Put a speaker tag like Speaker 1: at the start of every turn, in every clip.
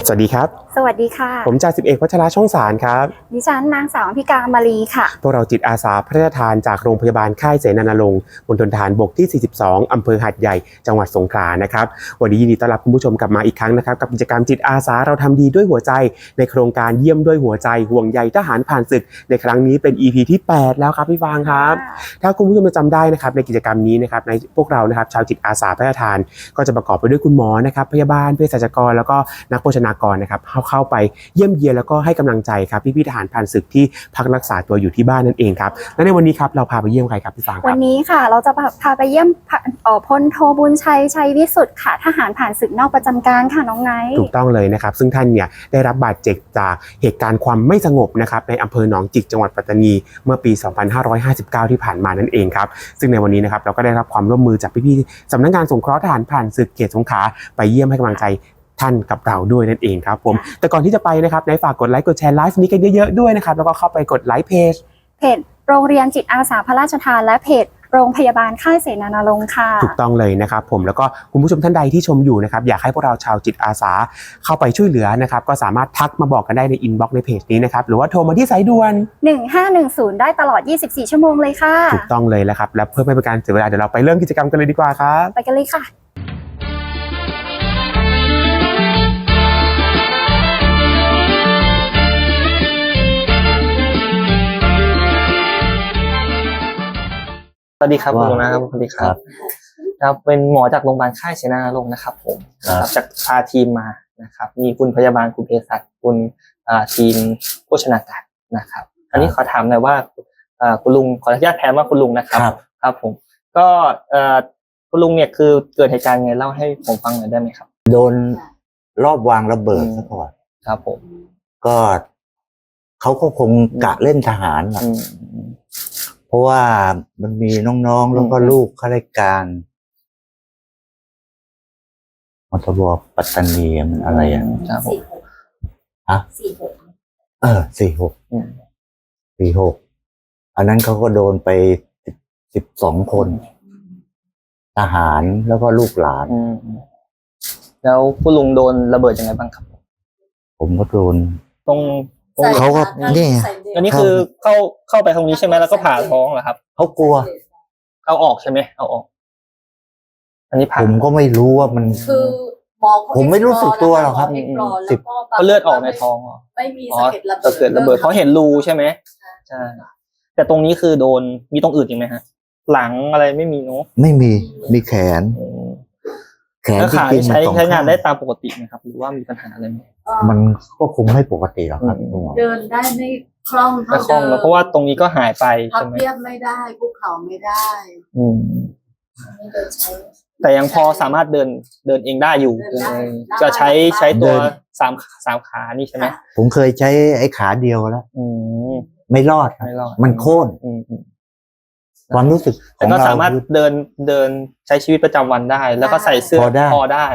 Speaker 1: สวัสดีครับ
Speaker 2: สวัสดีค่ะ
Speaker 1: ผมจ่าสิบเอกวัชระช่องสารครับ
Speaker 2: ดิฉันนางสาวอภิการมาลีค่ะ
Speaker 1: พวกเราจิตอาสาพระราชทานจากโรงพยาบาลค่ายเสนาณรงค์มณฑลทหารบกที่ 42 อำเภอหาดใหญ่จังหวัดสงขลานะครับวันนี้ยินดีต้อนรับคุณผู้ชมกลับมาอีกครั้งนะครับกับกิจกรรมจิตอาสาเราทำดีด้วยหัวใจในโครงการเยี่ยมด้วยหัวใจห่วงใยทหารผ่านศึกในครั้งนี้เป็น EP ที่ 8 แล้วครับพี่ฟางครับถ้าคุณผู้ชมจำได้นะครับในกิจกรรมนี้นะครับในพวกเรานะครับชาวจิตอาสาพระราชทานก็จะประกอบไปด้วยคุณหมอนะครับพยาบาลเภสัชกรแล้วก็นักโภชนากรนะครับเข้าไปเยี่ยมเยียนแล้วก็ให้กำลังใจครับพี่ทหารผ่านศึกที่พักรักษาตัวอยู่ที่บ้านนั่นเองครับและในวันนี้ครับเราพาไปเยี่ยมใครครับพี่ฟางครับ
Speaker 2: วันนี้ค่ะเราจะพาไปเยี่ยมพลโทบุญชัยวิสุทธิ์ค่ะทหารผ่านศึกนอกประจำการค่ะน้องไนท์
Speaker 1: ถูกต้องเลยนะครับซึ่งท่านเนี่ยได้รับบาดเจ็บจากเหตุการณ์ความไม่สงบนะครับในอำเภอหนองจิกจังหวัดปัตตานีเมื่อปี 2559 ที่ผ่านมานั่นเองครับซึ่งในวันนี้นะครับเราก็ได้รับความร่วมมือจากพี่ๆสำนักงานสงเคราะห์ทหารผ่านศึกเขตสงขลาไปเยี่ยมให้กำลังใจท่านกับเราด้วยนั่นเองครับผมแต่ก่อนที่จะไปนะครับในฝากกดไลค์กดแชร์ไลฟ์นี้กันเยอะๆด้วยนะครับแล้วก็เข้าไปกดไลค์เพจ
Speaker 2: โรงเรียนจิตอาสาพระราชทานและเพจโรงพยาบาลค่ายเสนาณรงค์ค่ะ
Speaker 1: ถูกต้องเลยนะครับผมแล้วก็คุณผู้ชมท่านใดที่ชมอยู่นะครับอยากให้พวกเราชาวจิตอาสาเข้าไปช่วยเหลือนะครับก็สามารถทักมาบอกกันได้ในอินบ็อกซ์ในเพจนี้นะครับหรือว่าโทรมาที่สายด่วน
Speaker 2: 1510ได้ตลอด24ชั่วโมงเลยค่ะ
Speaker 1: ถูกต้องเลยแล้วครับและเพื่อไม่เป็นการเสียเวลาเดี๋ยวเราไปเริ่มกิจกรรมกันเลยดีกว่าครับ
Speaker 2: ไปกันเลยค่ะ
Speaker 3: สวัสดีครับคุณนะครับสวัสดีครับครับเป็นหมอจากโรงพยาบาลค่ายเสนาณรงค์นะครับผมจากพาทีมมานะครับมีคุณพยาบาลคุณเภสัชคุณทีมโภชนาการนะครับอันนี้ขอถามหน่อยว่าคุณลุงขออนุญาตแทนว่าคุณลุงนะครับครับผมก็คุณลุงเนี่ยคือเกิดเหตุการณ์ไงเล่าให้ผมฟังหน่อยได้ไหมครับ
Speaker 4: โดนรอบวางระเบิดซะก่อน
Speaker 3: ครับผม
Speaker 4: ก็เขาก็คงกะเล่นทหารแหละเพราะว่ามันมีน้องๆแล้วก็ลูกข้าราชการมทบปัตตานีมันอะไรอ่ะฮะ46อันนั้นเขาก็โดนไป12 คนทหารแล้วก็ลูกหลาน
Speaker 3: แล้วคุณลุงโดนระเบิดยังไงบ้างครับ
Speaker 4: ผมก็โดน
Speaker 3: ตรง
Speaker 4: เขาก็นี่
Speaker 3: อันนี้คือเข้าไปตรงนี้ใช่ไหมแล้วก็ผ่าท้องเหรอครับ
Speaker 4: เขากลัว
Speaker 3: เอาออกใช่ไหมเอาออกอันนี้ผ่า
Speaker 4: ผมก็ไม่รู้ว่ามัน
Speaker 5: คือหมอ
Speaker 4: ผมไม่รู้สึกตัวหรอกครับ
Speaker 3: เขาเลือดออกในท้องเหรอ
Speaker 5: ไม่มีสะเก็ด
Speaker 3: ระเบิดเขาเห็นรูใช่ไหมใช่แต่ตรงนี้คือโดนมีตรงอื่นอีกไหมฮะหลังอะไรไม่มีเนาะ
Speaker 4: ไม่มีแขน
Speaker 3: แล้วขาใช้งานได้ตามปกติไหมครับหรือว่ามีปัญหาอะไรไหม
Speaker 4: มันก็คงไม่ปกติหรอกครับ
Speaker 5: เดินได้ไม่คล่องเท่าเดิม
Speaker 3: เพราะว่าตรงนี้ก็หายไป
Speaker 5: พับเพียบไม่ได้คุกเข่าไม่ได้
Speaker 3: แต่ยังพอสามารถเดินเองได้อยู่จะใช้ตัวสามขานี่ใช่ไหม
Speaker 4: ผมเคยใช้ไอ้ขาเดียวแล้วไม่รอดมันโค่นความรู้สึก
Speaker 3: แต่ก็สามารถเดินใช้ชีวิตประจำวันได้แล้วก็ใส่เสื้อพอได้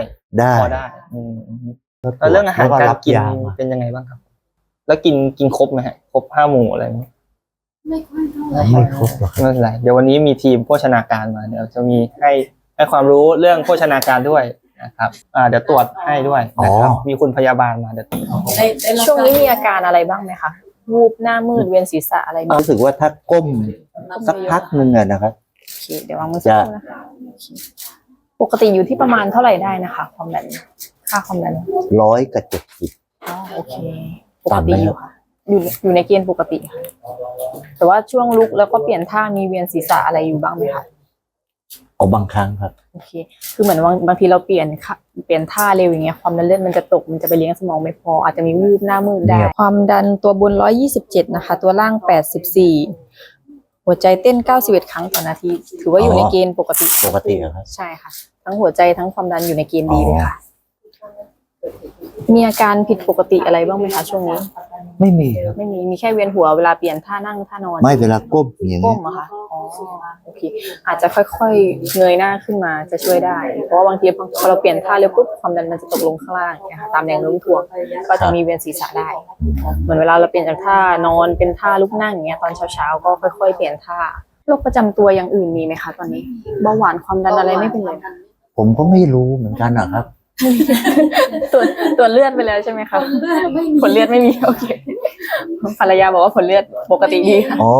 Speaker 3: แล้วเรื่องอาหารการกินเป็นยังไงบ้างครับแล้วกินครบไหมฮะครบ5 หมู่อะไรไหม
Speaker 5: ไม่ค่อยเท่าไหร่
Speaker 4: ไม่ครบหรอก
Speaker 3: ไม่เป็นไรเดี๋ยววันนี้มีทีมโภชนาการมาเดี๋ยวจะมีให้ความรู้เรื่องโภชนาการด้วยนะครับเดี๋ยวตรวจให้ด้วยนะครับมีคุณพยาบาลมาเดี๋ยว
Speaker 6: ช่วงนี้มีอาการอะไรบ้างไหมคะวูบหน้ามืดเวียนศีรษะอะไร
Speaker 4: รู้สึกว่าถ้าก้มสักพักนึงอะนะครับ
Speaker 6: โอเคเดี๋ยววางมือสักครู่นะคะปกติอยู่ที่ประมาณเท่าไหร่ได้นะคะความดันค่าความดัน
Speaker 4: 100 กับ 70
Speaker 6: อ๋อโอเคปกติอยู่ค่ะอยู่ในเกณฑ์ปกติค่ะแต่ว่าช่วงลุกแล้วก็เปลี่ยนท่ามีเวียนศีรษะอะไรอยู่บ้างไหมคะ
Speaker 4: บางครั้งครับ
Speaker 6: โอเคคือเหมือนบางทีเราเปลี่ยนท่าเร็วอย่างเงี้ยความดันเลือดมันจะตกมันจะไปเลี้ยงสมองไม่พออาจจะมีวูบหน้ามืดได้ความดันตัวบน127นะคะตัวล่าง84หัวใจเต้น91 ครั้งต่อนาทีถือว่าอยู่ในเกณฑ์ปกติ
Speaker 4: ครับ
Speaker 6: ใช่ค่ะทั้งหัวใจทั้งความดันอยู่ในเกณฑ์ดีเลยค่ะมีอาการผิดปกติอะไรบ้างไหมคะช่วงนี้
Speaker 4: ไม่มีครับ
Speaker 6: ไม่มีแค่เวียนหัวเวลาเปลี่ยนท่านั่งท่านอน
Speaker 4: ไม่เวลาก้มอย่างนี้
Speaker 6: ก้มอะค่ะอ๋อโอเคอาจจะค่อยๆเงยหน้าขึ้นมาจะช่วยได้เพราะว่าบางทีพอเราเปลี่ยนท่าเร็วปุ๊บความดันมันจะตกลงข้างล่างนะคะตามแรงโน้มถ่วงก็จะมีเวียนศีรษะได้เหมือนเวลาเราเปลี่ยนจากท่านอนเป็นท่าลุกนั่งอย่างเงี้ยตอนเช้าๆก็ค่อยๆเปลี่ยนท่าโรคประจำตัวอย่างอื่นมีไหมคะตอนนี้เบาหวานความดันอะไรไม่เป็นเลย
Speaker 4: ผมก็ไม่รู้เหมือนกันนะครับ
Speaker 6: ตรวจเลือดไปแล้วใช่ไหมคะ
Speaker 5: ไม่
Speaker 6: ผลเลือดไม่มีโอเคภรรยาบอกว่าผลเลือดปกติดีค่ะ
Speaker 4: อ๋อ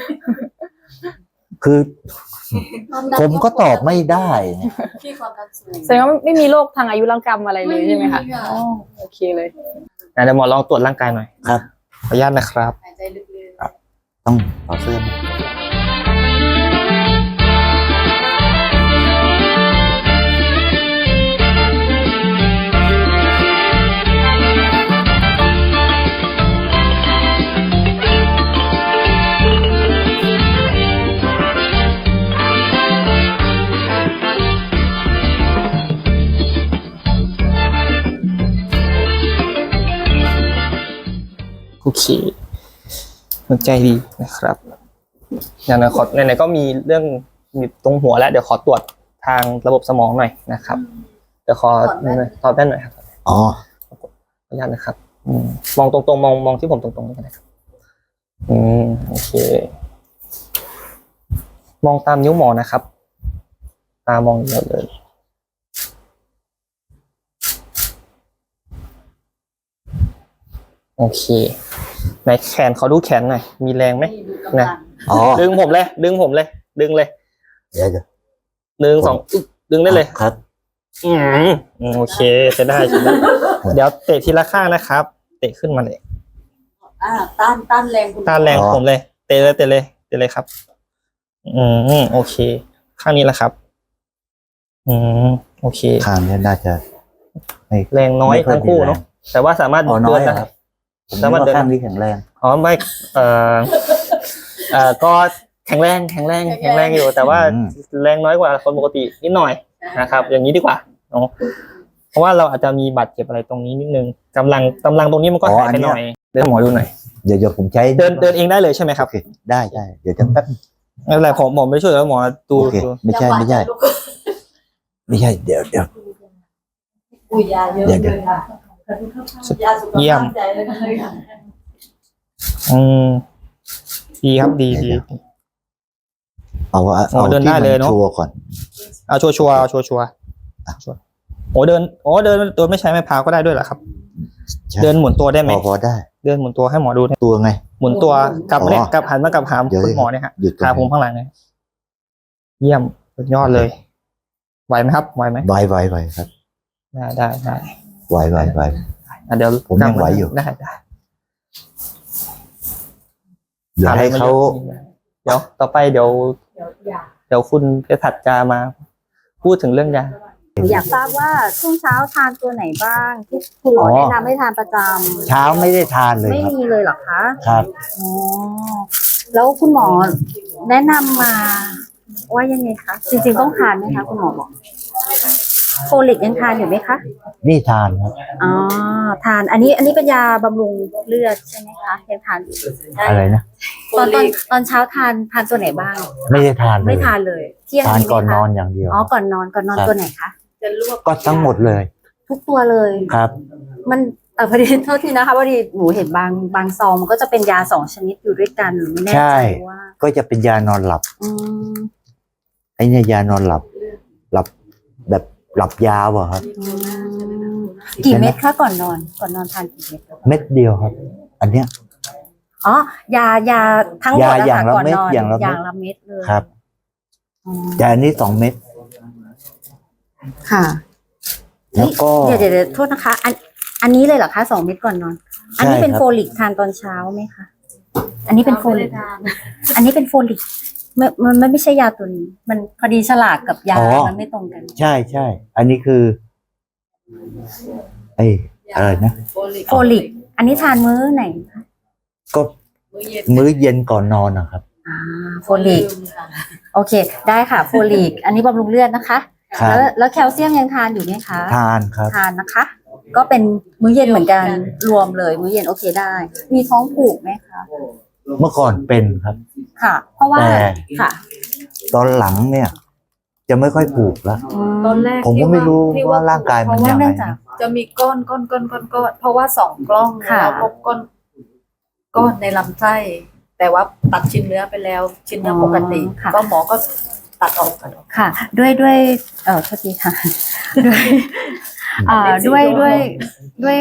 Speaker 4: คือผมก็ตอบไม่ได้เนี่ย
Speaker 5: ที่ความดันสูง
Speaker 6: แสดงว่าไม่มีโรคทางอายุรกรรมอะไรเลยใช่ไหมคะ
Speaker 5: ไม่มีค่ะ
Speaker 6: อ๋อโอเคเลย
Speaker 3: เดี๋ยวหมอลองตรวจร่างกายหน่อย
Speaker 4: ครับ
Speaker 3: ขออนุญาตนะครับ
Speaker 5: หายใจลึก
Speaker 4: ต้องต่อดเสื้อไหม
Speaker 3: โอเคหัวใจดีนะครับอย่างนั้นไหนๆก็มีเรื่องมีตรงหัวแล้ว เดี๋ยวขอตรวจทางระบบสมองหน่อยนะครับ เดี๋ยวขอตอบแว่นหน่อยครับ
Speaker 4: อ๋อ
Speaker 3: ขออนุญาตนะครับ มองตรงๆมองที่ผมตรงๆนี่ก็ได้ครับ โอเค มองตามนิ้วหมอนะครับ ตามองเดียวเลย โอเคไหนแขนขอดูแขนหน่อย มีแรงไหม
Speaker 5: ๆดูกำลัง
Speaker 4: อ๋อ
Speaker 3: ดึงผมเลย ดึงเลย
Speaker 4: เดี๋ยว
Speaker 3: 1 2อึ๊บดึงได้เลย
Speaker 4: ครับ
Speaker 3: โอเคจะได้ใช่ไหมเดี๋ยวเตะทีละข้างนะครับ เตะขึ้นมาเลย
Speaker 5: ต้านแรงคุณ
Speaker 3: ต้านแรงผมเลย เตะเลยครับ โอเค ข้างนี้แหละครับ โอเค
Speaker 4: ข้างนี้น่าจะไม่
Speaker 3: แรงน้อย
Speaker 4: ไม่ค่อย
Speaker 3: ทั้งคู่
Speaker 4: มีแรง
Speaker 3: เนาะแต่ว่าสามารถ
Speaker 4: อ๋อน้
Speaker 3: เดิ
Speaker 4: อย
Speaker 3: น
Speaker 4: เหร
Speaker 3: ได้
Speaker 4: อครับ ผม
Speaker 3: สามารถ
Speaker 4: ว่า
Speaker 3: เดิน
Speaker 4: ข้างนี้แข็งแรง
Speaker 3: อ๋อไม่ก็แข็งแรงอยู่ แต่ว่าแรงน้อยกว่าคนปกตินิดหน่อยนะครับ อย่างนี้ดีกว่าเนาะเพราะว่าเราอาจจะมีบาดเจ็บอะไรตรงนี้นิดนึงกำลังตรงนี้มันก็หายไปหน่อยเดินหมอดูหน่อย
Speaker 4: เดี๋ยวผมใช้
Speaker 3: เดินเองได้เลยใช่ไหมครับ
Speaker 4: โอเคได้เดี๋ยวจะแป๊บ
Speaker 3: ไม่เป็นไรผมหมอไม่ช่วยแล้วหมอดู
Speaker 4: โอเคไม่ใช่ เดี๋ยว
Speaker 5: อุ้ยยาเยอะเลยค่ะยาสุขภาพใจเลยค่ะ
Speaker 3: ดีครับดี
Speaker 4: เอา
Speaker 3: อ๋อเดินได้
Speaker 4: ที่
Speaker 3: เลยเนอะ
Speaker 4: ชัวร์ก่อน
Speaker 3: เอาชัวร์โอ้เดินตัวไม่ใช้ไม้พายก็ได้ด้วยเหรอครับ
Speaker 4: ใช่
Speaker 3: เดินหมุนตัวได้ไหม
Speaker 4: พอได้
Speaker 3: เดินหมุนตัวให้หมอดู
Speaker 4: ตัวไง
Speaker 3: หมุนตัวกลับมาเนี่ย
Speaker 4: อ๋อก
Speaker 3: ลับหันมากับหาม
Speaker 4: เดี๋ยว
Speaker 3: คุณหมอเนี่ยฮะ
Speaker 4: หยุดตรง
Speaker 3: ขาผม
Speaker 4: นี้
Speaker 3: ข้างหลังเนี่ยเยี่ยมสุดยอดเลย ไหวไหมครับไหวไหม
Speaker 4: ไวครับ
Speaker 3: ได้
Speaker 4: ไว
Speaker 3: เดี๋ยว
Speaker 4: ผมยังไหวอยู่
Speaker 3: ได้
Speaker 4: เดี๋ยวให้เขา
Speaker 3: เดี๋ยวต่อไปเดี๋ยวคุณเภสัชจะมาพูดถึงเรื่องยา
Speaker 2: อยากทราบว่าช่วงเช้าทานตัวไหนบ้างที่คุณหมอแนะนำให้ทานประจ
Speaker 4: เช้าไม่ได้ทานเล
Speaker 2: ำ
Speaker 4: ย
Speaker 2: ไม่
Speaker 4: ครับ
Speaker 2: มีเลยเหรอคะ
Speaker 4: ครับ
Speaker 2: อ๋อแล้วคุณหมอแนะนำมาว่ายังไงคะจริงๆต้องทานไหมคะคุณหมอบอกโฟลิกยังทานอยู่ไหมคะ
Speaker 4: นี่ทานครับ
Speaker 2: อ๋อทานอันนี้เป็นยาบำรุงเลือดใช่ไหมคะยังทานอยู่
Speaker 4: อะไรนะ
Speaker 2: ตอนเช้าทานตัวไหนบ้าง
Speaker 4: ไม่ได้ทานเลย
Speaker 2: ไม่ทานเลยเที่ยง
Speaker 4: ทาน
Speaker 2: มีไหมคะ
Speaker 4: ก่อนนอนอย่างเดียว
Speaker 2: อ๋อก่อนนอนตัวไหนคะ
Speaker 5: จะลวก
Speaker 4: ก็ทั้งหมดเลย
Speaker 2: ทุกตัวเลย
Speaker 4: ครับ
Speaker 2: มันพอดีโทษทีนะคะพอดีหนูเห็นบางซองมันก็จะเป็นยา2 ชนิดอยู่ด้วยกันหนูไม่แน่
Speaker 4: ใช่
Speaker 2: ใจว่า
Speaker 4: ก็จะเป็นยานอนหลับ
Speaker 2: อืม
Speaker 4: ไอ้เนี่ยยานอนหลับแบบหลับยาวอะครับ
Speaker 2: อืมกี่เม็ดคะก่อนนอนทานกี่เม็ด
Speaker 4: เม็ดเดียวครับ อันเนี้ย
Speaker 2: อ๋อยาทั้งหมด
Speaker 4: ยาอย่างละ
Speaker 2: ก่อน
Speaker 4: เม็ด
Speaker 2: นอน
Speaker 4: อย่างละเม็ด
Speaker 2: ละเม็ดเลย
Speaker 4: ครับ
Speaker 2: อ๋อ
Speaker 4: แต่อันนี้2 เม็ด
Speaker 2: ค่ะ
Speaker 4: แล้วก็
Speaker 2: เดี๋ยวโทษนะคะ อันนี้เลยเหรอคะ2 เม็ดก่อนนอน อันนี้
Speaker 4: ใช่
Speaker 2: เป็น
Speaker 4: ครับ
Speaker 2: โฟลิกทานตอนเช้าไหมคะอันนี้เป็นโฟลิก อันนี้เป็นโฟลิกมันไม่ใช่ยาตัวนี้ มันพอดีฉลากกับยามันไม่ตรงกัน
Speaker 4: ใช่ อันนี้คือไอ้อะไรนะ
Speaker 2: โฟลิก อันนี้ทานมื้อไหนคะ
Speaker 4: ก็ มื้อเย็นก่อนนอนนะครับ
Speaker 2: โฟลิก โอเค ได้ค่ะ โฟลิก อันนี้บำรุงเลือดนะคะ
Speaker 4: ครับ
Speaker 2: แล้วแคลเซียมยังทานอยู่ไหมคะ
Speaker 4: ทานครับ
Speaker 2: ทานนะคะ ก็เป็นมื้อเย็นเหมือนกัน รวมเลย มื้อเย็นโอเคได้ มีท้องผูกไหมคะ
Speaker 4: เมื่อก่อนเป็นครับ
Speaker 2: ค่ะ เพราะว่า
Speaker 4: แต่
Speaker 2: ค่ะ
Speaker 4: ตอนหลังเนี่ย จะไม่ค่อยผูกแล้ว
Speaker 5: ตอนแรก
Speaker 4: ผมก็ไม่รู้
Speaker 5: ที่
Speaker 4: ว่าร่างกายมัน
Speaker 2: เพราะว่า
Speaker 4: ยังไง
Speaker 2: เนื่องจาก
Speaker 5: จะมีก้อนเพราะว่า2 กล้อง
Speaker 2: ค่ะ
Speaker 5: แล้วพบก้อนในลำไส้แต่ว่าตัดชิ้นเนื้อไปแล้ว ชิ้นเนื้อปกติ
Speaker 2: ค่ะ
Speaker 5: ก็หมอก็ตัดออก
Speaker 2: ค่ะ ด้วยโทษทีค่ะ ด้วยด้วย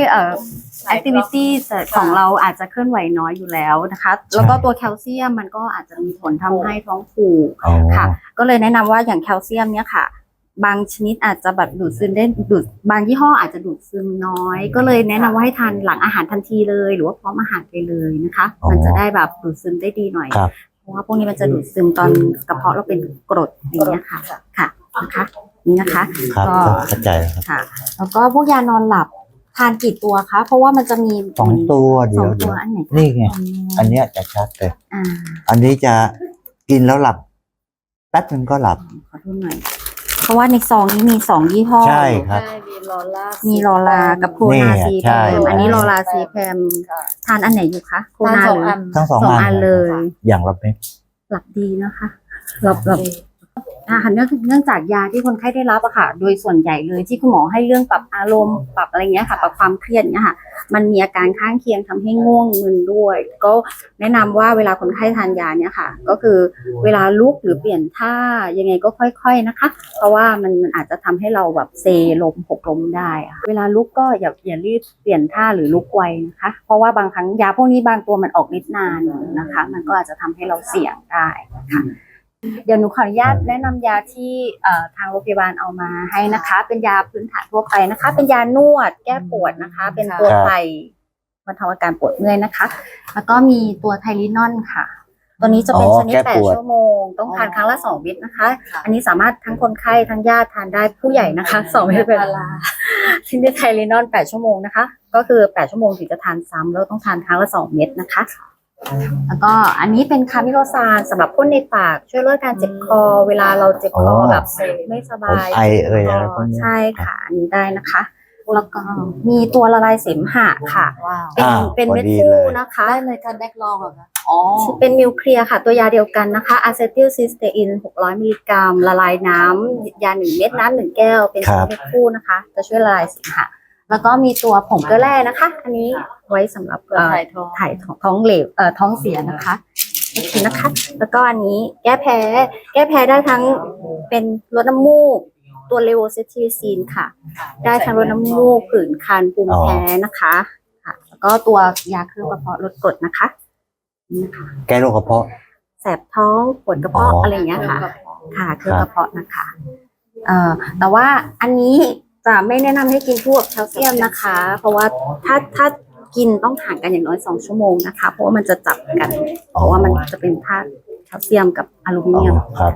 Speaker 2: activity ของเราอาจจะเคลื่อนไหวน้อยอยู่แล้วนะคะแล้วก็ตัวแคลเซียมมันก็อาจจะมีผลทำให้ท้องผูก
Speaker 4: อ๋อ
Speaker 2: ค่ะก็เลยแนะนำว่าอย่างแคลเซียมเนี่ยค่ะ บางชนิดอาจจะแบบดูดซึมได้บางยี่ห้ออาจจะดูดซึมน้อย ก็เลยแนะนำว่าให้ทานหลังอาหารทันทีเลยหรือว่าพร้อมอาหารไปเลยนะคะ มันจะได้แบบดูดซึมได้ดีหน่อย
Speaker 4: ครับ
Speaker 2: เพราะว่าพวกนี้มันจะดูดซึมตอนกระเพาะเราเป็นกรดอย่างเงี้ยค่ะค่ะนะคะนี่นะคะ
Speaker 4: ครับ
Speaker 2: ก็
Speaker 4: เข้าใจแล้วครับ
Speaker 2: ค่ะ แล้วก็พวกยานอนหลับทานกี่ตัวคะเพราะว่ามันจะมี
Speaker 4: 2 ตัวเดี
Speaker 2: ส
Speaker 4: ย
Speaker 2: อ
Speaker 4: ว
Speaker 2: งตัวอันไหนคะ
Speaker 4: นี่ไง อันเนี้ยจะชัดเลย
Speaker 2: อ่า
Speaker 4: อันนี้จะกินแล้วหลับแป๊บนึงก็หลับ
Speaker 2: ขอดูหน่อยเพราะว่าในซองนี้มี2ยี่ห้อ
Speaker 4: ใช่ครับ
Speaker 5: มีลอล่า
Speaker 2: มีลอลากับโคนาซีแพ
Speaker 4: ใช่
Speaker 2: มอันนี้ลอลาซีแพม
Speaker 5: ค่ะ
Speaker 2: ทานอันไหนอยู่คะโค
Speaker 5: ทาน
Speaker 2: นา
Speaker 5: สอง
Speaker 2: หรือ
Speaker 5: อัน
Speaker 4: ทั้งสอง
Speaker 2: สอง
Speaker 4: อั
Speaker 2: อั
Speaker 4: น
Speaker 2: นเลย
Speaker 4: อย่างละเม็ด
Speaker 2: หลับดีนะคะหลับเนื่องจากยาที่คนไข้ได้รับอะค่ะ โดยส่วนใหญ่เลยที่คุณหมอให้เรื่องปรับอารมณ์ปรับอะไรเงี้ยค่ะ ปรับความเครียดเนี้ยค่ะ มันมีอาการข้างเคียงทำให้ง่วงมึนด้วย ก็แนะนำว่าเวลาคนไข้ทานยาเนี่ยค่ะ ก็คือเวลาลุกหรือเปลี่ยนท่ายังไงก็ค่อยๆนะคะ เพราะว่ามันอาจจะทำให้เราแบบเซลมหกล้มได้อะเวลาลุกก็อย่ารีบเปลี่ยนท่าหรือลุกไวนะคะ เพราะว่าบางครั้งยาพวกนี้บางตัวมันออกฤทธิ์นานนะคะ มันก็อาจจะทำให้เราเสี่ยงได้ค่ะ เดี๋ยวหนูขออนุญาตแนะนำยาที่ทางโรงพยาบาลเอามาให้นะคะ เป็นยาพื้นฐานทั่วไปนะคะ เป็นยานวดแก้ปวดนะคะ เป็นตัวไทยบรรเทาอาการปวดเมื่อยนะคะ แล้วก็มีตัวไทลินอนค่ะ ตัวนี้จะเป็นชนิด
Speaker 4: แก้ปวด
Speaker 2: 8 ชั่วโมง ต้องทานครั้งละ2 เม็ดนะคะ อันนี้สามารถทั้งคนไข้ทั้งญาติทานได้ผู้ใหญ่นะคะ2 เม็ดเป็นเวลาชนิดไทลินอน8 ชั่วโมงนะคะ ก็คือ8 ชั่วโมงถึงจะทานซ้ำแล้วต้องทานครั้งละ2 เม็ดนะคะ แล้วก็อันนี้เป็นคามิโลซานสำหรับพ่นในปากช่วยลดการเจ็บคอ เวลาเราเจ็บคอแบบไม่สบาย
Speaker 4: ผมไออะไรพวกนี้
Speaker 2: ใช่ค่ะอันนี้ได้นะคะ แล้วก็มีตัวละลายเสมหะค่ะ
Speaker 5: ว้าว
Speaker 2: เป็นเม็ด
Speaker 4: พอดี
Speaker 2: ฟู
Speaker 4: เลย
Speaker 2: นะคะ
Speaker 5: ได้เลยค่ะแดกลองเหรอคะอ๋อ
Speaker 2: เป็นนิวเคลียร์ค่ะ ตัวยาเดียวกันนะคะอะเซทิลซิสเตอิน600 มิลลิกรัมละลายน้ำยา1 เม็ดน้ำ1 แก้ว เป็น
Speaker 4: ครับ
Speaker 2: เม็ดฟูนะคะ จะช่วยละลายเสมหะแล้วก็มีตัวผงเกลือแร่นะคะ อันนี้ไว้สำหรับ
Speaker 5: ถ่ายท้อง
Speaker 2: ถ่ายท้องเหลวท้องเสียนะคะโอเคนะคะ แล้วก็อันนี้แก้แพ้ได้ทั้งเป็นลดน้ำมูก ตัวเลโวเซทิซีนค่ะ ได้ทั้งลดน้ำมูกผื่นคันภูมิแพ้นะคะค่ะ แล้วก็ตัวยาเคลือบกระเพาะลดกรดนะคะนี่นะคะ
Speaker 4: แก้โรคกระเพาะ
Speaker 2: แสบท้องปวดกระเพาะ
Speaker 4: อ๋ออ
Speaker 2: อะไรอย่างเงี้ยค่ะ ค่ะเคลือบกระเพาะนะคะแต่ว่าอันนี้จะไม่แนะนำให้กินพวกแคลเซียมนะคะ เพราะว่าถ้ากินต้องห่างกันอย่างน้อย2 ชั่วโมงนะคะ เพราะว่ามันจะจับกัน เพราะว่ามันจะเป็นธาตุแคลเซียมกับอลูมิเนียม
Speaker 4: ครับ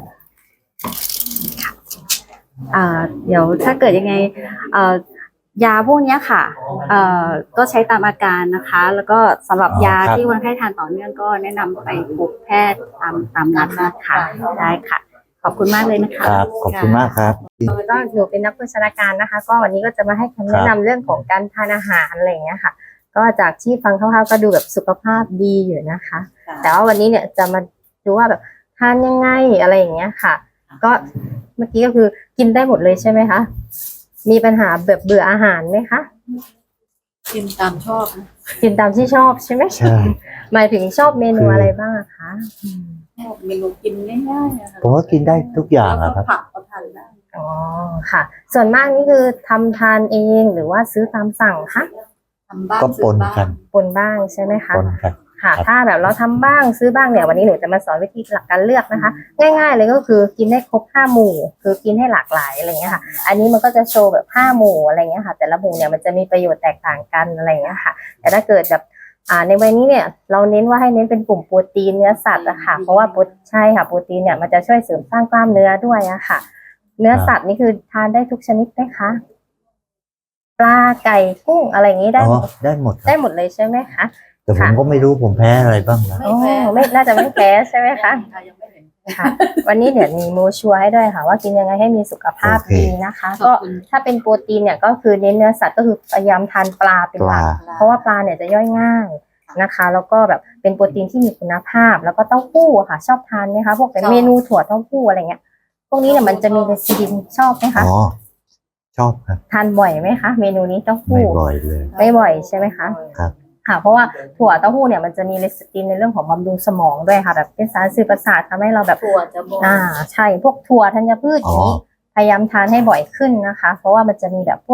Speaker 2: เดี๋ยวถ้าเกิดยังไงยาพวกเนี้ยค่ะก็ใช้ตามอาการนะคะ แล้วก็สำหรับยา
Speaker 4: ครับ
Speaker 2: ที่คนไข้ทานต่อเนื่องก็แนะนำไปพบแพทย์ตามนัดนะคะได้ค่ะ ขอบคุณมากเลยนะคะ
Speaker 4: ครับ ขอบคุณมากครับ
Speaker 7: ก็หนูเป็นนักโภชนาการนะคะ ก็วันนี้ก็จะมาให้คำแนะนำเรื่องของการทานอาหารอะไรอย่างเงี้ยค่ะ ก็จากที่ฟังคร่าวๆก็ดูแบบสุขภาพดีอยู่นะคะ แต่ว่าวันนี้เนี่ยจะมาดูว่าแบบทานยังไงอะไรอย่างเงี้ยค่ะ ก็เมื่อกี้ก็คือกินได้หมดเลยใช่ไหมคะมีปัญหาแบบเบื่ออาหารไหมคะ
Speaker 5: กินตามชอบนะ
Speaker 7: กินตามที่ชอบใช่ไหม
Speaker 4: ใช่
Speaker 7: หมายถึงชอบเมนูอะไรบ้างอะคะ
Speaker 5: ชอบเมนูกินง่ายๆนะคะ
Speaker 4: ผมว่ากินได้ทุกอย่าง
Speaker 5: แล้ว
Speaker 4: อะครับ
Speaker 5: ก็ผักก็ทานได้
Speaker 7: อ๋อค่ะ ส่วนมากนี่คือทำทานเองหรือว่าซื้อตามสั่งคะ
Speaker 5: ทำบ้าง
Speaker 4: ก็ปน
Speaker 5: ซื้อบ้าง
Speaker 4: กัน
Speaker 7: ปนบ้างใช่ไหมคะ
Speaker 4: ปนกัน
Speaker 7: ค่ะ
Speaker 4: ครับ
Speaker 7: ถ้าแบบเราทำบ้างซื้อบ้างเนี่ยวันนี้หนูจะมาสอนวิธีหลักการเลือกนะคะ ง่ายๆเลยก็คือกินให้ครบ5 หมู่ คือกินให้หลากหลายอะไรเงี้ยค่ะ อันนี้มันก็จะโชว์แบบ5 หมู่อะไรเงี้ยค่ะ แต่ละหมู่เนี่ยมันจะมีประโยชน์แตกต่างกันอะไรเงี้ยค่ะ แต่ถ้าเกิดแบบในวันนี้เนี่ยเราเน้นว่าให้เน้นเป็นกลุ่มโปรตีนเนื้อสัตว์อะค่ะ เพราะว่าใช่ค่ะโปรตีนเนี่ยมันจะช่วยเสริมสร้างกล้ามเนื้อด้วยอะค่ะ เนื้อสัตว์นี่คือทานได้ทุกชนิดไหมคะปลาไก่กุ้งอะไรอย่างนี้ได้
Speaker 4: อ๋
Speaker 7: ห
Speaker 4: อ
Speaker 7: มด
Speaker 4: ได้หมดค
Speaker 7: ได้
Speaker 4: รับ
Speaker 7: หมดเลยใช่ไหมคะ
Speaker 4: แต่ผมก็ไม่รู้ผมแพ้อะไรบ้างนะ
Speaker 5: ไม่แพ้
Speaker 7: ไม่น่าจะไม่แพ้ใช่ไหมคะ
Speaker 5: ยังไม่เห็น
Speaker 7: ค่ะ วันนี้เดี๋ยวมีโมชัวร์ให้ด้วยค่ะ ว่ากินยังไงให้มีสุขภาพ
Speaker 4: โอเค
Speaker 7: ดีนะคะ
Speaker 5: ขอบ
Speaker 7: ก็
Speaker 5: คุณ
Speaker 7: ถ้าเป็นโปรตีนเนี่ยก็คือเน้นเนื้อสัตว์ก็คือพยายามทานปลาเป็นหลัก
Speaker 4: ปลา
Speaker 7: เพราะว่าปลาเนี่ยจะย่อยง่ายนะคะ แล้วก็แบบเป็นโปรตีนที่มีคุณภาพ แล้วก็เต้าหู้อะค่ะ ชอบทานไหมคะพวกเป็นเมนูถั่วเต้าหู้อะไรเงี้ยพวกนี้เนี่ยมันจะมีเลซิดินชอบไหมคะ
Speaker 4: อ๋อ ชอบครับ
Speaker 7: ทานบ่อยไหมคะเมนูนี้เต้า
Speaker 4: ไม่
Speaker 7: หู้
Speaker 4: บ่อยเลย
Speaker 7: ไม่บ่อยใช่ไหมคะ
Speaker 4: ครับ
Speaker 7: ค่ะ เพราะว่าถั่วเต้าหู้เนี่ยมันจะมีเลซิตินในเรื่องของบำรุงสมองด้วยค่ะ แบบเป็นสารสื่อประสาททำให้เราแบบ
Speaker 5: ถั่วจะบน
Speaker 7: ใช่พวกถั่วธัญพืชอย่างนี้พยายามทานให้บ่อยขึ้นนะคะ เพราะว่ามันจะมีแบบพวก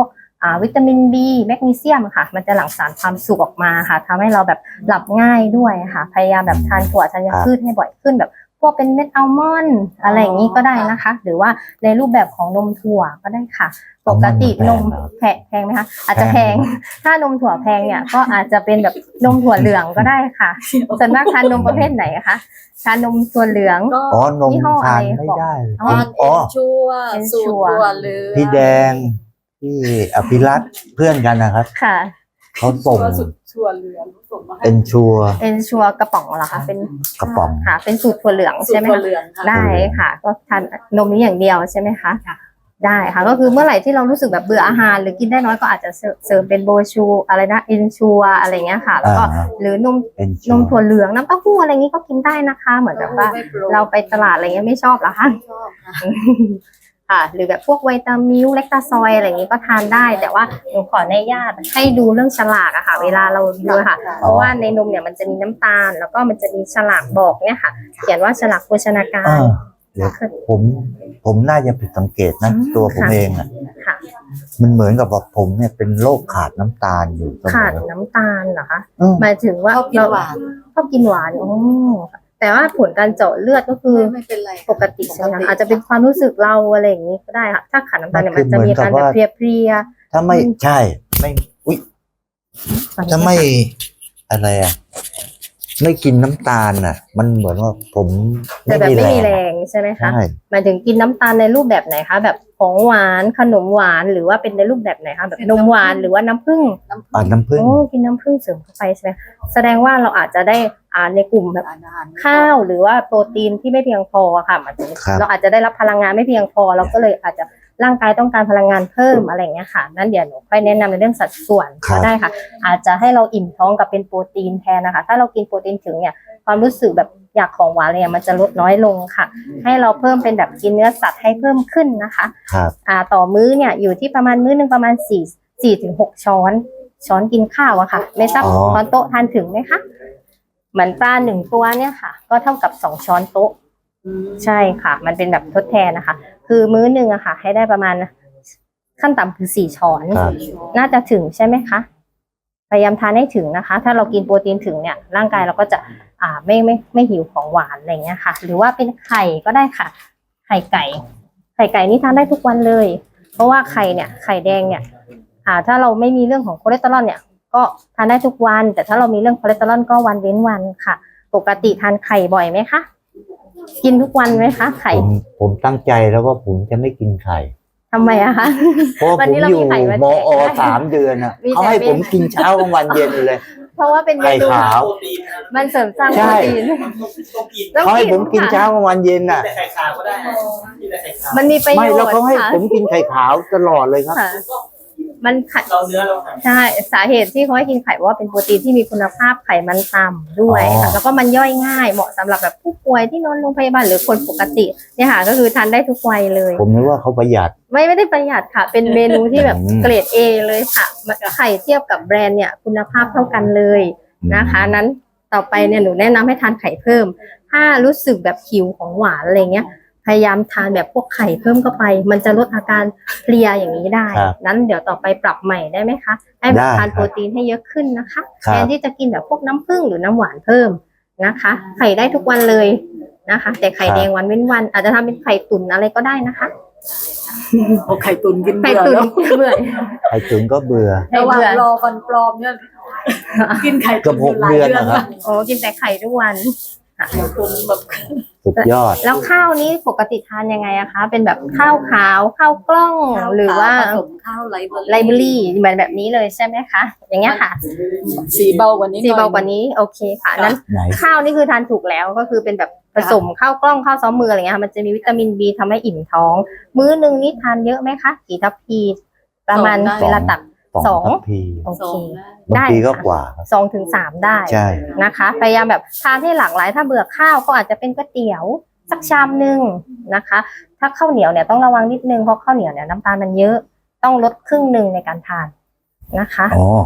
Speaker 7: วิตามิน B แมกนีเซียมค่ะมันจะหลั่งสารความสุขออกมาค่ะทำให้เราแบบหลับง่ายด้วยค่ะพยายามแบบทานถั่วธัญพืชให้บ่อยขึ้นแบบพวกเป็นเม็ดอัลมอนด์อะไรอย่างนี้ก็ได้นะคะ หรือว่าในรูปแบบของนมถั่วก็ได้ค่ะปกตินมแพงไหมคะอาจจะแพงถ้านมถั่วแพงเนี่ยก็อาจจะเป็นแบบนมถั่วเหลืองก็ได้ค่ะส่วนมากทานนมประเภทไหนคะทานนมถั่วเหลือง
Speaker 5: ก็
Speaker 4: อ๋อนม
Speaker 7: ยี่ห้อ
Speaker 4: ทาน
Speaker 7: อะไร
Speaker 4: ไม่
Speaker 7: บอก
Speaker 4: ได้
Speaker 7: อ๋อ
Speaker 5: ทานเอ็นชัวสูตรตัวเหลือง
Speaker 4: พี่แดงพี่อภิรัตน์เพื่อนกันนะครับ
Speaker 7: ค่ะ
Speaker 4: เขาส่ง
Speaker 5: ชัวเหลืองส่งมาให้
Speaker 4: เป็นชัวร์
Speaker 7: เป็นชัวร์กระป๋องเหรอคะเป็น
Speaker 4: กระป๋อง
Speaker 7: ค่ะเป็นสูตรถั่วเหลือง
Speaker 5: สูต
Speaker 7: ใช่
Speaker 5: ร
Speaker 7: ไหม
Speaker 5: ตัว
Speaker 7: คะ
Speaker 5: เหลืองค่ะ
Speaker 7: ได้ค่ะ ก็ทานนมนี้อย่างเดียวใช่ไหมคะได้ค่ะ ก็คือเมื่อไหร่ที่เรารู้สึกแบบเบื่ออาหาร หรือกินได้น้อยก็อาจจะเสริมเป็นโบชูอะไรนะอินชัวอะไรเงี้ยค่ะ แล้วก็ หรือนม
Speaker 4: เป็น
Speaker 7: นมถั่วเหลืองน้ำเต้าหู้อะไรงี้ก็กินได้นะคะ เหมือนแบบว่า เราไปตลาดอะไรเงี้ยไม่ชอบเหรอคะ
Speaker 5: ชอบค่ะ
Speaker 7: ค่ะหรือแบบพวกไวตามิลเลคตาซอยอะไรอย่างนี้ก็ทานได้ แต่ว่าหนูขออนุญาตให้ดูเรื่องฉลากอะค่ะ เวลาเราดูค่ะ เพราะว่าในนมเนี่ยมันจะมีน้ำตาล แล้วก็มันจะมีฉลากบอกเนี่ยค่ะ เขียนว่าฉลากโภชนาการ
Speaker 4: เดี๋ยวผมน่าจะผิดสังเกตนะ ตัวผมเองอ่ะ
Speaker 7: ค่ะ
Speaker 4: มันเหมือนกับว่าผมเนี่ยเป็นโรคขาดน้ำตาลอยู่เสม
Speaker 7: ขาด
Speaker 4: อ
Speaker 7: น้ำตาลเหรอคะ
Speaker 4: อืม
Speaker 7: หมายถึงว่า
Speaker 5: ชอบกินหวาน
Speaker 7: ชอบกินหวานอ๋อแต่ว่าผลการเจาะเลือดก็คือ
Speaker 5: ไม่เป็นไร
Speaker 7: ปกติใช่ไหมคะอาจจะเป็นความรู้สึกเราอะไรอย่างนี้ก็ได้ค่ะถ้าขาดน้ำตาลเนี่ย
Speaker 4: มั
Speaker 7: มัน นจะมีอาการแบบเพลีย
Speaker 4: ถ้าไม่ใช่ไม่อุ้ย
Speaker 7: ๆ
Speaker 4: ถ้าไม่อะไรอ่ะ ไม่กินน้ำตาลอ่ะ มันเหมือนว่าผม
Speaker 7: แต่แบบไม่มีแร
Speaker 4: อะ
Speaker 7: งใช่ไหมคะ
Speaker 4: ใช่
Speaker 7: หมายถึงกินน้ำตาลในรูปแบบไหนคะแบบของหวานขนมหวานหรือว่าเป็นในรูปแบบไหนคะแบบนมหวานหรือว่าน้ำผึ้ง
Speaker 4: น้ำผึ้ง
Speaker 7: โอ้กินน้ำผึ้งเสริมเข้าไปใช่ไหมแสดงว่าเราอาจจะได้ในกลุ่มแบบ
Speaker 5: อาหาร
Speaker 7: ข้าวหรือว่าโปรตีนที่ไม่เพียงพออะค่ะหมายถึง
Speaker 4: ครับ
Speaker 7: เราอาจจะได้รับพลังงานไม่เพียงพอเราก็เลยอาจจะร่างกายต้องการพลังงานเพิ่มอะไรอย่างเงี้ยค่ะนั่นเดี๋ยวหนูค่อยแนะนำในเรื่องสัดส่วนก็ได้ค่ะ อาจจะให้เราอิ่มท้องกับเป็นโปรตีนแทนนะคะ ถ้าเรากินโปรตีนถึงเนี่ยความรู้สึกแบบอยากของหวานเนี่ยมันจะลดน้อยลงค่ะ ให้เราเพิ่มเป็นแบบกินเนื้อสัตว์ให้เพิ่มขึ้นนะคะ
Speaker 4: ครับ
Speaker 7: ต่อมื้อเนี่ยอยู่ที่ประมาณมื้อหนึ่งประมาณ4 ถึง 6 ช้อนกินข้าวอะค่ะ ไม่ทราบ
Speaker 4: อ๋อ
Speaker 7: ช้อนโต๊ะทานถึงไหมคะเหมือนปลา1 ตัวเนี่ยค่ะ ก็เท่ากับ2 ช้อนโต๊ะใช่ค่ะ มันเป็นแบบทดแทนนะคะ คือมื้อหนึ่งอะค่ะ ให้ได้ประมาณขั้นต่ำคือ4 ช้อน
Speaker 4: ครับ
Speaker 7: น่าจะถึงใช่ไหมคะพยายามทานให้ถึงนะคะ ถ้าเรากินโปรตีนถึงเนี่ยร่างกายเราก็จะไม่หิวของหวานอะไรเงี้ยค่ะ หรือว่าเป็นไข่ก็ได้ค่ะ ไข่ไก่นี่ทานได้ทุกวันเลย เพราะว่าไข่แดงเนี่ยถ้าเราไม่มีเรื่องของคอเลสเตอรอลเนี่ยก็ทานได้ทุกวัน แต่ถ้าเรามีเรื่องคอเลสเตอรอลก็วันเว้นวันค่ะ ปกติทานไข่บ่อยไหมคะกินทุกวันไหมคะไข่
Speaker 4: ผมตั้งใจแล้วว่าผมจะไม่กินไข่
Speaker 7: ทำไมอะคะ
Speaker 4: เพราะว่า
Speaker 7: วัน
Speaker 4: ผม
Speaker 7: นี้เรา
Speaker 4: อยู่
Speaker 7: มีไข่มาแจก
Speaker 4: มอ
Speaker 7: ได้
Speaker 4: 3 เดือนอ่ะ
Speaker 7: มี
Speaker 4: เขาให้
Speaker 7: แต่
Speaker 4: ผมกินเช้ากลางวันเย็นเลย
Speaker 7: เพราะว่าเป็นเม
Speaker 4: ไข่
Speaker 7: นู
Speaker 4: ขาว
Speaker 7: มันเสริมสร้าง
Speaker 4: ใช่
Speaker 7: โปรตีน
Speaker 4: เขาให้ผมกินเช้ากลางวันเย็นอ่ะ
Speaker 7: มันมีประโยชน์
Speaker 4: ไม่แล้วเขาให้
Speaker 7: ค่ะ
Speaker 4: ผมกินไข่ขาวตลอดเลยครับ
Speaker 7: ค่ะมันไข่ใช่สาเหตุที่เขาให้กินไข่เพราะว่าเป็นโปรตีนที่มีคุณภาพไขมันต่ำด้วย
Speaker 4: อ๋อ
Speaker 7: ค่ะแล้วก็มันย่อยง่ายเหมาะสำหรับแบบผู้ป่วยที่นอนโรงพยาบาลหรือคนปกติเนี่ยค่ะก็คือทานได้ทุกวัยเลย
Speaker 4: ผมนึกว่าเขาประหยัด
Speaker 7: ไม่ได้ประหยัดค่ะ เป็นเมนูที่แบบ
Speaker 4: อืม
Speaker 7: เกรด A เลยค่ะไข่เทียบกับแบรนด์เนี่ยคุณภาพเท่ากันเลยนะคะ นั้นต่อไปเนี่ยหนูแนะนำให้ทานไข่เพิ่ม ถ้ารู้สึกแบบหิวของหวานอะไรเงี้ยพยายามทานแบบพวกไข่เพิ่มเข้าไป มันจะลดอาการเพลียอย่างนี้ได้
Speaker 4: ครับ
Speaker 7: นั้นเดี๋ยวต่อไปปรับใหม่ได้ไหมคะให้แบบ
Speaker 4: ได้
Speaker 7: ทานโปรตีนให้เยอะขึ้นนะคะ
Speaker 4: ครับ
Speaker 7: แทนที่จะกินแบบพวกน้ำผึ้งหรือน้ำหวานเพิ่มนะคะ ไข่ได้ทุกวันเลยนะคะ แต่ไข่แดงวันเว้นวันอาจจะทำเป็นไข่ตุ๋นอะไรก็ได้นะคะ
Speaker 5: เอาไข่ตุนกิน
Speaker 7: ไข่
Speaker 5: เบื่อ
Speaker 7: ตุ๋น
Speaker 5: แล้ว
Speaker 7: เบื่อ
Speaker 4: ไข่ตุ๋นก็เบื่อ
Speaker 5: ระหว่าง
Speaker 7: เบื่อ
Speaker 5: รอฟันปลอมเนี่ยกินไข่
Speaker 4: เกือบ6 เดือนนะครับ
Speaker 7: โอ้กินแต่ไข่ทุกวันค่ะ
Speaker 5: ไข่ตุนแบบ
Speaker 4: สุดยอด
Speaker 7: แล้วข้าวนี้ปกติทานยังไงอะคะ เป็นแบบข้าวขาวข้าวกล้องหรือว่า
Speaker 5: ผสมข้าวไล
Speaker 7: ไลบรารีเหมือนแบบนี้เลยใช่ไหมคะ อย่างเงี้ยค่ะ
Speaker 5: สีเบากว่านี้
Speaker 7: สีเบากว่านี้โอเคค่ะนั้น
Speaker 4: ไหน
Speaker 7: ข้าวนี่คือทานถูกแล้วก็คือเป็นแบบผสมข้าวกล้องข้าวซ้อมมืออะไรเงี้ยค่ะมันจะมีวิตามิน B ทำให้อิ่มท้อง มื้อหนึ่งนี่ทานเยอะไหมคะกี่ทัพพีประมาณเวลาตัก
Speaker 4: สองทัพพี
Speaker 7: โอ
Speaker 5: สอ
Speaker 7: เค
Speaker 5: งนะ
Speaker 4: บาง
Speaker 7: ได้
Speaker 4: ทีก็
Speaker 7: ค่ะ
Speaker 4: กว่าครับ
Speaker 7: 2 ถึง 3ได้
Speaker 4: ใช่
Speaker 7: นะคะพยายามแบบทานให้หลากหลายถ้าเบื่อข้าวก็อาจจะเป็นก๋วยเตี๋ยวสักชามหนึ่งนะคะ ถ้าข้าวเหนียวเนี่ยต้องระวังนิดนึงเพราะข้าวเหนียวเนี่ยน้ำตาลมันเยอะต้องลดครึ่งหนึ่งในการทานนะคะ
Speaker 4: อ๋อ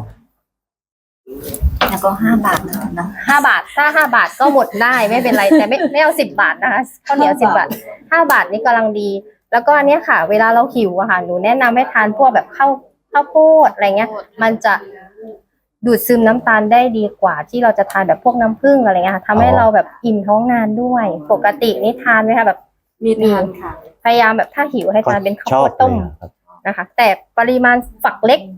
Speaker 5: แล้วก็5 บาทนะ
Speaker 7: 5 บาทถ้า5 บาทก็หมดได้ไม่เป็นไรแต่ไม่เอา10 บาทนะคะข้าวเหนียว10 บาท5 บาทนี่กำลังดี แล้วก็อันเนี้ยค่ะ เวลาเราหิวอะค่ะหนูแนะนำให้ทานพวกแบบข้าวข้าวโพดอะไรเงี้ย มันจะดูดซึมน้ำตาลได้ดีกว่าที่เราจะทานแบบพวกน้ำผึ้งอะไรเงี้ยค่ะทำให้เราแบบอิ่มท้องนานด้วย ปกตินี่ทานไหมคะแบบ
Speaker 5: มีทานค่ะ
Speaker 7: พยายามแบบถ้าหิวให้ทานเป็นข้าว
Speaker 4: ชอ
Speaker 7: โพ
Speaker 4: บ
Speaker 7: ดต้ม
Speaker 4: เลยครับ
Speaker 7: นะคะ แต่ปริมาณฝักเล็ก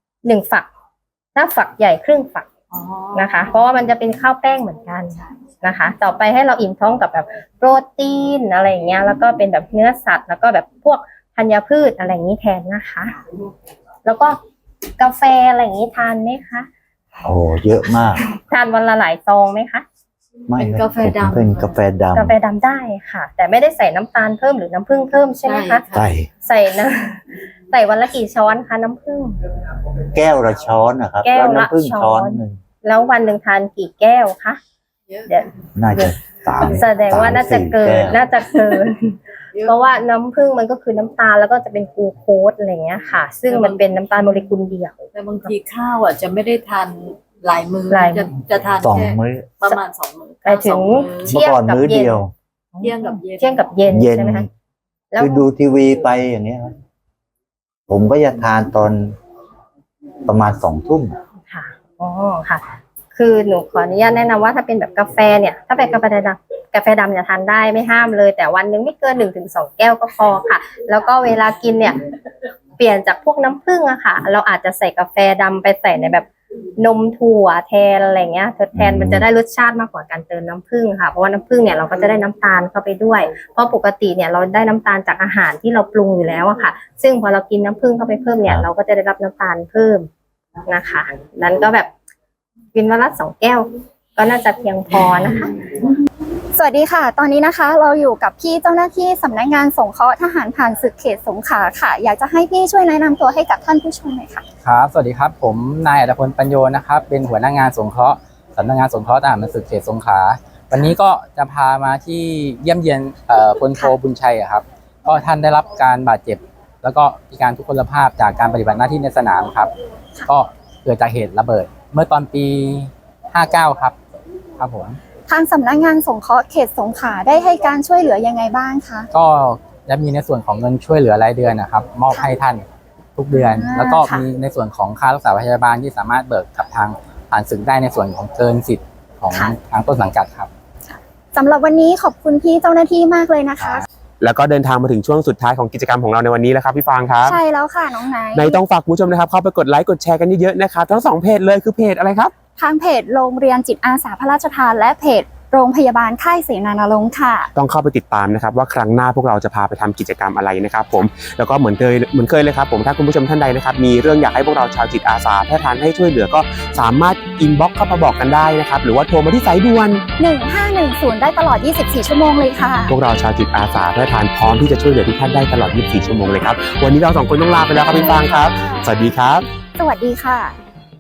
Speaker 7: 1 ฝัก ถ้าฝักใหญ่ครึ่งฝัก
Speaker 5: อ๋อ
Speaker 7: นะคะ เพราะว่ามันจะเป็นข้าวแป้งเหมือนกันนะคะ ต่อไปให้เราอิ่มท้องกับแบบโปรตีนอะไรอย่างเงี้ยแล้วก็เป็นแบบเนื้อสัตว์แล้วก็แบบพวกธัญพืชอะไรอย่างนี้แทนนะคะ แล้วก็กาแฟอะไรอย่างนี้ทานไหมคะ
Speaker 4: โอ้เยอะมาก
Speaker 7: ทานวันละหลายซองไหมคะ
Speaker 4: ไม่
Speaker 5: เป็นกาแฟดำ
Speaker 4: เป็นกาแฟดำ
Speaker 7: กาแฟดำได้ค่ะ แต่ไม่ได้ใส่น้ำตาลเพิ่มหรือน้ำผึ้งเพิ่มใช่ไหมคะ
Speaker 4: ใส่
Speaker 7: ใส่นะ ใส่วันละกี่ช้อนคะน้ำผึ้ง
Speaker 4: แก้วละช้อนนะครับ
Speaker 7: แก้วละ
Speaker 4: น้ำผึ้ง
Speaker 7: ช้
Speaker 4: ช้
Speaker 7: อ
Speaker 4: อน นหนึ่ง
Speaker 7: แล้ววันหนึ่งทานกี่แก้วคะ
Speaker 5: เยอะ
Speaker 7: เดี๋ยว
Speaker 4: น่าจะ3
Speaker 7: แสดงว่าน่าจะเกิน น่าจะเกิน
Speaker 5: เยอะ
Speaker 7: เพราะว่าน้ำผึ้งมันก็คือน้ำตาลแล้วก็จะเป็นกลูโคสอะไรเงี้ยค่ะ ซึ่งมันเป็นน้ำตาลโมเลกุลเดียว
Speaker 5: แต่บางทีข้าวอ่ะจะไม่ได้ทานหลายมื้อ
Speaker 7: หลายมื้อ
Speaker 5: จะทาน
Speaker 4: สอง
Speaker 5: แค่
Speaker 4: มื้อ
Speaker 5: ประมาณ2 มื้อ
Speaker 7: ไปถึง
Speaker 5: ข้าว
Speaker 4: เมื่อก่อนมื้อเดียว
Speaker 5: เที่ยงกับเย็น
Speaker 7: เที่ยงกับเย็น
Speaker 4: เย็น
Speaker 7: ใช่ไหมคะแล้ว
Speaker 4: คือดูทีวีไปอย่างเงี้ยครับผมก็จะทานตอนประมาณ2 ทุ่ม
Speaker 7: ค่ะอ๋อค่ะ คือหนูขออนุญาตแนะนำว่าถ้าเป็นแบบกาแฟเนี่ย ถ้าเป็นกาแฟดำเนี่ยทานได้ไม่ห้ามเลย แต่วันหนึงไม่เกิน1 ถึง 2 แก้วก็พอค่ะ แล้วก็เวลากินเนี่ย เปลี่ยนจากพวกน้ำผึ้งอะค่ะ เราอาจจะใส่กาแฟดำไปใส่ในแบบนมถั่วแทนอะไรเงี้ยทดแทนมันจะได้รสชาติมากกว่าการเติมน้ำผึ้งค่ะ เพราะว่าน้ำผึ้งเนี่ยเราก็จะได้น้ำตาลเข้าไปด้วย เพราะปกติเนี่ยเราได้น้ำตาลจากอาหารที่เราปรุงอยู่แล้วอะค่ะ ซึ่งพอเรากินน้ำผึ้งเข้าไปเพิ่มเนี่ยเราก็จะได้รับน้ำตาลเพิ่มนะคะ นั้นก็แบบกินวันละ2 แก้ว ก็น่าจะเพียงพอนะคะ
Speaker 8: สวัสดีค่ะ ตอนนี้นะคะเราอยู่กับพี่เจ้าหน้าที่สำนักงานสงเคราะห์ทหารผ่านศึกเขตสงขลาค่ะ อยากจะให้พี่ช่วยแนะนำตัวให้กับท่านผู้ชมหน่อยค่ะ
Speaker 9: ครับ สวัสดีครับ ผมนายอัตพลปัญโยนะครับ เป็นหัวหน้างานสงเคราะห์สำนักงานสงเคราะห์ทหารผ่านศึกเขตสงขลา วันนี้ก็จะพามาที่เยี่ยมเยียนพลโทบุญชัยอะครับ ก็ท่านได้รับการบาดเจ็บ แล้วก็พิการทุพพลภาพจากการปฏิบัติหน้าที่ในสนามครับ ก็เกิดจากเหตุระเบิด เมื่อตอนปี 59 ครับ ครับผม
Speaker 8: ทางสำนักงานสงเคราะห์เขตสงขลาได้ให้การช่วยเหลือยังไงบ้างคะ
Speaker 9: ก็จะมีในส่วนของเงินช่วยเหลือรายเดือนนะครับ มอบให้ท่านทุกเดือน
Speaker 8: อ่า
Speaker 9: แล้วก็
Speaker 8: ค่ะ
Speaker 9: มีในส่วนของค่ารักษาพยาบาลที่สามารถเบิกกับทางผ่านศึกได้ในส่วนของเกินสิทธิ์ของทางต้นสังกัดครับ
Speaker 8: สำหรับวันนี้ขอบคุณพี่เจ้าหน้าที่มากเลยนะคะ
Speaker 1: แล้วก็เดินทางมาถึงช่วงสุดท้ายของกิจกรรมของเราในวันนี้แล้วครับพี่ฟางครับ
Speaker 8: ใช่แล้วค่ะน้องไนท์
Speaker 1: ในต้องฝากคุณผู้ชมนะครับเข้าไปกดไลค์กดแชร์กันเยอะๆนะครับทั้ง2 เพจเลยคือเพจอะไรครับ
Speaker 8: ทางเพจโรงเรียนจิตอาสาพระราชทานและเพจโรงพยาบาลค่ายเสนานารงค์ค่ะ
Speaker 1: ต้องเข้าไปติดตามนะครับว่าครั้งหน้าพวกเราจะพาไปทำกิจกรรมอะไรนะครับผมแล้วก็เหมือนเคยเลยครับผมถ้าคุณผู้ชมท่านใดนะครับมีเรื่องอยากให้พวกเราชาวจิตอาสาแพทย์ทานให้ช่วยเหลือก็สามารถอินบ็อกซ์เข้ามาบอกกันได้นะครับหรือว่าโทรมาที่สายด่วน
Speaker 8: 1510 ได้ตลอด 24 ชั่วโมงเลยค่ะ
Speaker 1: พวกเราชาวจิตอาสาแพทย์ทานพร้อมที่จะช่วยเหลือทุกท่านได้ตลอด 24 ชั่วโมงเลยครับวันนี้เรา2 คนต้องลาไปแล้วครับพี่ฟางครับสวัสดีครับ
Speaker 8: สวัสดีค่ะ